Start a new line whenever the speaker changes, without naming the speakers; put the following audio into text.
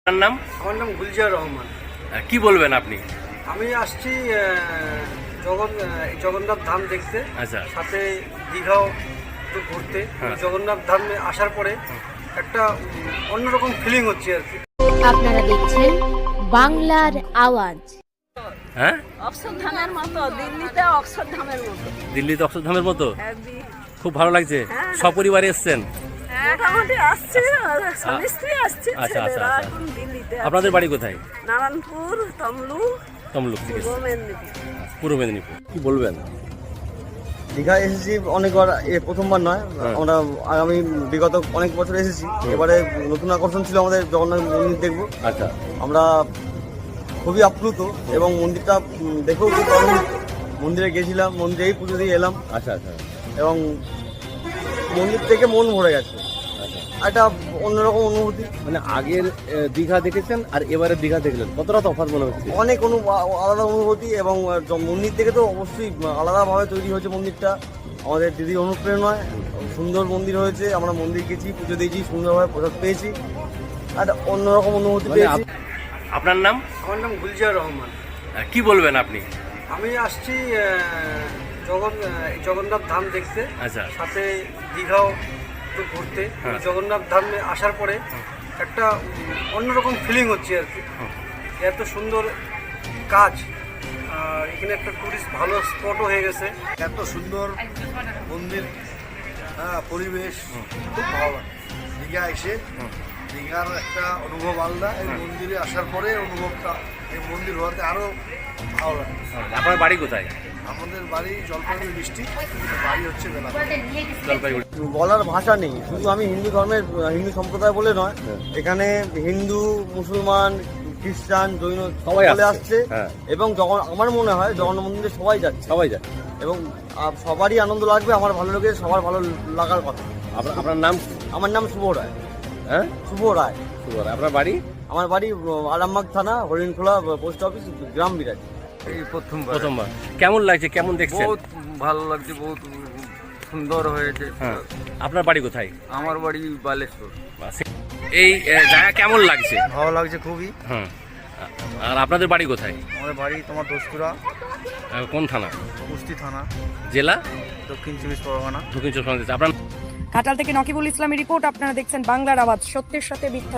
আপনার নাম?
আমার নাম গুলজার রহমান।
কি বলবেন আপনি?
আমি আসছি জগন্নাথ ধাম দেখতে,
আচ্ছা।
সাথে দীঘাও একটু ঘুরতে।
হ্যাঁ।
জগন্নাথ ধামে আসার পরে একটা অন্যরকম ফিলিং হচ্ছে আর কি।
আপনারা দেখছেন বাংলার আওয়াজ।
হ্যাঁ,
অক্ষরধামের মতো, দিল্লিতে অক্ষরধামের মতো।
দিল্লিতে অক্ষরধামের মতো
হ্যাঁ,
খুব ভালো লাগছে।
হ্যাঁ।
সপরিবারে এসছেন?
মোটামুটি আসছে, স্বামী স্ত্রী আসছে,
আচ্ছা, আচ্ছা,
ছেলেরা
আচ্ছা।
এখন দিল্লিতে আছে।
আপনাদের বাড়ি কোথায়?
নারায়ণপুর, তমলুক,
তমলুক থেকে
পূর্ব মেদিনীপুর।
পূর্ব মেদিনীপুর। কি বলবেন?
দীঘা এসেছি অনেকবার, প্রথমবার নয়।
হ্যাঁ।
আমরা আগামী বিগত অনেক বছর এসেছি। এবারে নতুন আকর্ষণ ছিল আমাদের জগন্নাথ মন্দির দেখবো।
আচ্ছা,
আমরা খুবই আপ্লুত এবং মন্দিরটা দেখেও খুব আনন্দিত। মন্দিরে গেছিলাম, মন্দিরেই পুজো দিয়ে এলাম
আচ্ছা, আচ্ছা,
এবং মন্দির থেকে মন ভরে গেছে।
আচ্ছা।
একটা অন্যরকম অনুভূতি,
মানে আগের দীঘা দেখেছেন আর এবারে দীঘা দেখলেন, কতটা তফাৎ মনে হচ্ছে?
অনেক আলাদা অনুভূতি এবং মন্দির থেকে তো অবশ্যই আলাদাভাবে তৈরি হয়েছে মন্দিরটা। আমাদের দিদির অনুপ্রেরণায় সুন্দর মন্দির হয়েছে। আমরা মন্দির গেছি, পুজো দিয়েছি, সুন্দরভাবে প্রসাদ পেয়েছি, একটা অন্যরকম অনুভূতি
মানে
পেয়েছি।
আপনার নাম?
আমার নাম গুলজার রহমান।
কি বলবেন আপনি?
আমি আসছি জগন্নাথ ধাম দেখতে,
আচ্ছা।
সাথে দীঘাও একটু ঘুরতে।
হ্যাঁ।
জগন্নাথ ধামে আসার পরে একটা অন্যরকম ফিলিং হচ্ছে আর কি। এত সুন্দর কাজ, আর এখানে একটা টুরিস্ট ভালো স্পটও হয়ে গেছে।
এত সুন্দর মন্দির, পরিবেশ খুব ভালো লাগে। দীঘা এসে দীঘার একটা অনুভব আলাদা, এই মন্দিরে আসার পরে অনুভবটা, এই মন্দির হওয়াতে আরও ভালো লাগে।
আপনার বাড়ি কোথায়?
আমাদের বাড়ি জলপাইগুড়ি ডিস্ট্রিক্ট, বাড়ি হচ্ছে বেলা।
জলপাইগুড়ি।
বলার ভাষা নেই। শুধু আমি হিন্দু ধর্মের, হিন্দু সম্প্রদায় বলে নয়, এখানে হিন্দু, মুসলমান, খ্রিস্টান, জৈন
সবাই
সকলে
আসছে।
আসছে
হ্যাঁ।
এবং আমার মনে হয় জগন্নাথ মন্দিরে সবাই যাচ্ছে
সবাই যায়।
এবং সবারই আনন্দ লাগবে। আমার ভালো লাগে, সবার ভালো লাগার কথা।
আপনার নাম?
আমার নাম শুভ রায়।
হ্যাঁ,
শুভ রায়।
শুভ রায়। আপনার বাড়ি?
আমার বাড়ি আরামবাগ থানা, হরিণখোলা পোস্ট অফিস, গ্রাম বিরাজ।
এই প্রথমবার
প্রথমবার। কেমন লাগছে, কেমন দেখছেন?
বহুত ভালো লাগছে, বহুত সুন্দর হয়েছে।
হ্যাঁ। আপনার বাড়ি কোথায়?
আমার বাড়ি বালেশ্বর।
এই জায়গা কেমন লাগছে?
ভালো লাগছে খুবই।
হ্যাঁ। আর আপনাদের বাড়ি কোথায়?
আমাদের বাড়ি তোমার দোসপুরা,
কোন থানা?
কুস্তি থানা,
জেলা?
দক্ষিণ চব্বিশ পরগনা।
দক্ষিণ চব্বিশ পরগনা। আপনার?
ঘাটাল থেকে নকিবুল ইসলামের রিপোর্ট। আপনারা দেখছেন বাংলার আওয়াজ, সত্যের সাথে মিথ্যা